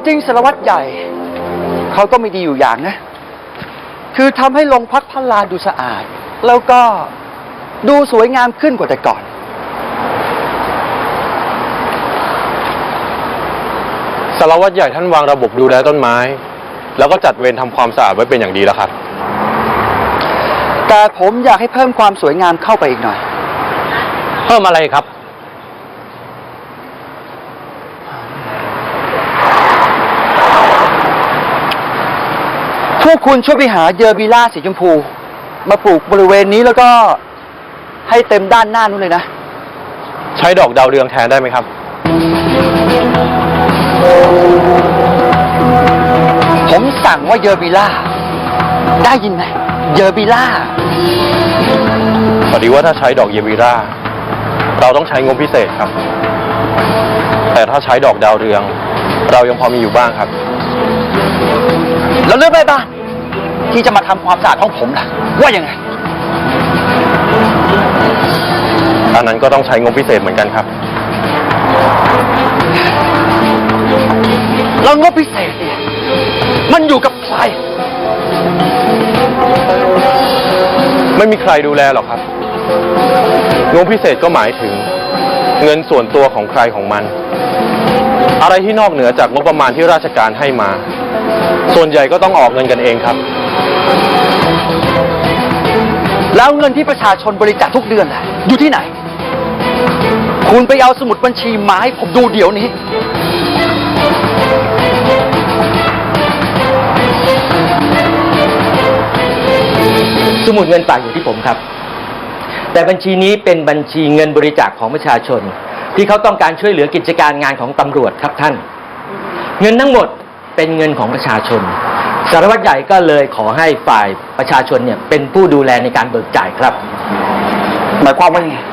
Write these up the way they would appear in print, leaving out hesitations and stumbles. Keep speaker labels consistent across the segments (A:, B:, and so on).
A: จริงสารวัตรใหญ่เขาก็ไม่ดีอยู่อย่างนะคือทำให้โรงพักพระลาดูสะอาดแล้วก็ดูสวยงามขึ้นกว่าแต่ก่อน
B: สารวัตรใหญ่ท่านวางระบบดูแลต้นไม้แล้วก็จัดเวรทำความสะอาดไว้เป็นอย่างดีแล้วครับ
A: แต่ผมอยากให้เพิ่มความสวยงามเข้าไปอีกหน่อย
B: เพิ่มอะไรครับ
A: พวกคุณช่วยไปหาเยอร์บิล่าสีชมพูมาปลูกบริเวณนี้แล้วก็ให้เต็มด้านหน้านู้นเลยนะ
B: ใช้ดอกดาวเรืองแทนได้ไหมครับ
A: ผมสั่งว่าเยอร์บิล่าได้ยินไหมเยอร์บิล่า
B: พอดีว่าถ้าใช้ดอกเยบิราเราต้องใช้งบพิเศษครับแต่ถ้าใช้ดอกดาวเรืองเรายังพอมีอยู่บ้างครับ
A: แล้วเรื่องแม่บ้านที่จะมาทำความสะอาดห้องผมล่ะว่ายังไง
B: อันนั้นก็ต้องใช้งบพิเศษเหมือนกันครับ
A: แล้วงบพิเศษเนี่ยมันอยู่กับใคร
B: ไม่มีใครดูแลหรอกครับงบพิเศษก็หมายถึงเงินส่วนตัวของใครของมันอะไรที่นอกเหนือจากงบประมาณที่ราชการให้มาส่วนใหญ่ก็ต้องออกเงินกันเองครับ
A: แล้วเงินที่ประชาชนบริจาคทุกเดือนล่ะอยู่ที่ไหนคุณไปเอาสมุดบัญชีมาให้ผมดูเดี๋ยวนี้
C: สมุดเงินฝากอยู่ที่ผมครับแต่บัญชีนี้เป็นบัญชีเงินบริจาคของประชาชนที่เขาต้องการช่วยเหลือกิจการงานของตำรวจครับท่านเงินทั้งหมดเป็นเงินของประชาชนสารวัตรใหญ่ก็เลยขอให้ฝ่ายประชาชนเนี่ยเป็นผู้ดูแลในการเบิกจ่ายครับ
A: หมายความว่าไง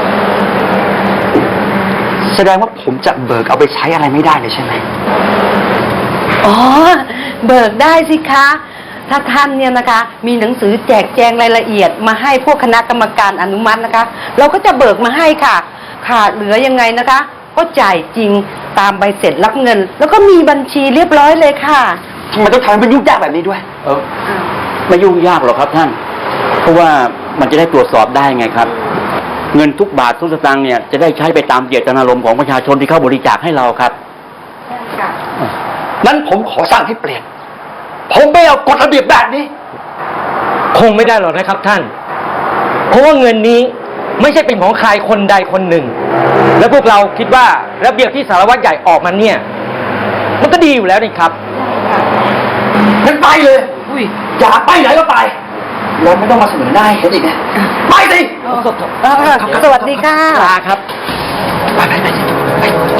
A: แสดงว่าผมจะเบิกเอาไปใช้อะไรไม่ได้เลยใช่ไหม
D: อ๋อเบิกได้สิคะถ้าท่านเนี่ยนะคะมีหนังสือแจกแจงรายละเอียดมาให้พวกคณะกรรมการอนุมัตินะคะเราก็จะเบิกมาให้ค่ะขาดเหลือยังไงนะคะก็จ่ายจริงตามใบเสร็จรับเงินแล้วก็มีบัญชีเรียบร้อยเลยค่ะ
A: ทำไมต้องทำให้มันยุ่งยากแบบนี้ด้วย
E: ไม่ยุ่งยากหรอกครับท่านเพราะว่ามันจะได้ตรวจสอบได้ไงครับเงินทุกบาททุกสตางค์เนี่ยจะได้ใช้ไปตามเจตนารมณ์ของประชาชนที่เข้าบริจาคให้เราครับ
A: นั้นผมขอสั่งให้เปลี่ยนผมไม่เอากฎระเบียบแบบนี้
C: คงไม่ได้หรอกนะครับท่านเพราะว่าเงินนี้ไม่ใช่เป็นของใครคนใดคนหนึ่งและพวกเราคิดว่าระเบียบที่สารวัตรใหญ่ออกมาเนี่ยมันก็ดีอยู่แล้วนี่ครับ
A: งั้นไปเลยอยากไปไหนก็ไปเราไม่ต้องมาเสนอหน้าให้เห็นอีกนะไปสิ
D: สวัสดีค่ะ
C: ลาครับ
A: ไป